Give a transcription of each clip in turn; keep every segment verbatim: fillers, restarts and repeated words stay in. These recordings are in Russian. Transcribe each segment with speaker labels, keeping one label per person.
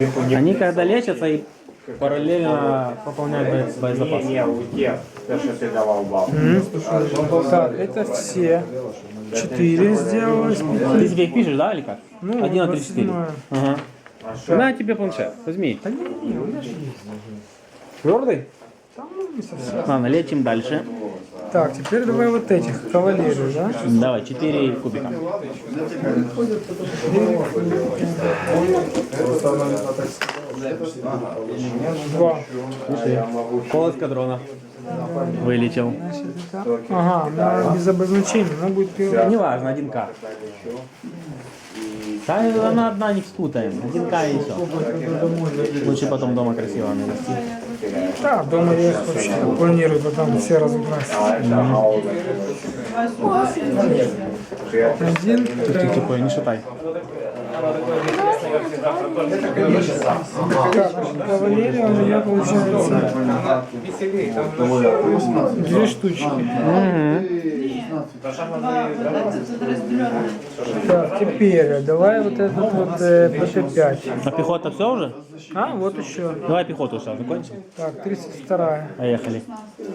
Speaker 1: Они когда лечатся и параллельно пополняют бо- боезапас.
Speaker 2: Не, у тех, то, что ты давал бабу.
Speaker 3: Так, это все. Четыре сделалось.
Speaker 1: Ты себе их пишешь, да, или как?
Speaker 3: Ну,
Speaker 1: Один, три, четыре.
Speaker 3: двадцать
Speaker 1: Ага. На тебе планшет, возьми.
Speaker 3: Да не, не, у меня же есть.
Speaker 1: Твердый?
Speaker 3: Там ну, не совсем.
Speaker 1: Ладно, лечим дальше.
Speaker 3: Так, теперь давай вот этих кавалерию, да?
Speaker 1: Давай, четыре кубика.
Speaker 3: Два.
Speaker 1: Пол эскадрона. Вылечил.
Speaker 3: Ага, она без обозначения, она будет первая.
Speaker 1: Неважно, один К. Да, она одна, не спутаем. Один К и все. Лучше потом дома красиво навести.
Speaker 3: Да, дома я их вообще планирую потом все разыграть. Один,
Speaker 1: Тихо, тихо, не шатай.
Speaker 3: так, кавалерия у меня получается две штучки. Так, теперь давай вот этот вот э, П Т пять.
Speaker 1: А пехота все уже?
Speaker 3: А, вот еще.
Speaker 1: Давай пехоту сейчас закончим.
Speaker 3: Так, тридцать вторая.
Speaker 1: Поехали.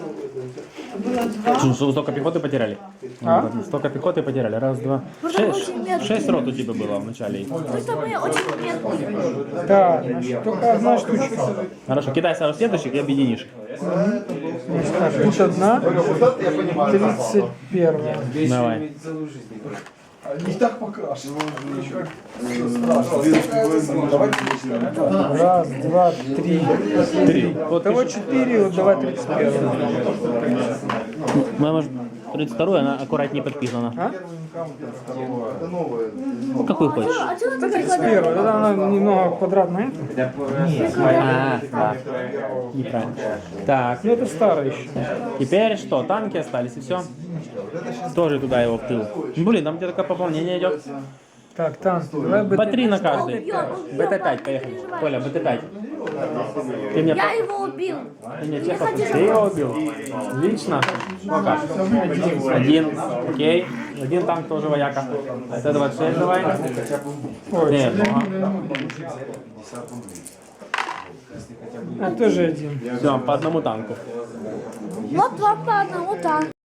Speaker 1: Что, что, столько пехоты потеряли?
Speaker 3: А?
Speaker 1: Столько пехоты потеряли. Раз, два. Шесть, шесть рот у тебя было в начале.
Speaker 4: Просто мы очень медленные.
Speaker 3: Так, значит, только одна штучка.
Speaker 1: Хорошо, кидай сразу следующих и объединишь их.
Speaker 3: Значит, так, тут одна, тридцать первая.
Speaker 1: Давай.
Speaker 5: Не так покрашен.
Speaker 3: Раз, два, три.
Speaker 1: Три. Вот
Speaker 3: Того четыре, вот давай тридцать первую.
Speaker 1: мы, может, тридцать вторую, она аккуратнее подписана.
Speaker 3: А?
Speaker 1: Ну, какую хочешь.
Speaker 4: А что ты
Speaker 3: тридцать первая, тогда она немного квадратная.
Speaker 1: А, да. Неправильно. Так,
Speaker 3: Ну это старая еще.
Speaker 1: теперь что? Танки остались и все. Тоже туда его в тыл. Блин, там где-то такое пополнение идет.
Speaker 3: Так, танки, давай
Speaker 1: По
Speaker 3: бы.
Speaker 1: три на каждый. Б Т пять, поехали. Коля, Б Т пять. Ты мне...
Speaker 4: Я его убил.
Speaker 1: Ты мне честно, ты его убил? Лично? Пока. Один. Окей. Один танк тоже вояка. Это двадцать шесть давай. Нет, ага.
Speaker 3: А тоже один.
Speaker 1: Все, по одному танку.
Speaker 4: Вот два по одному, так.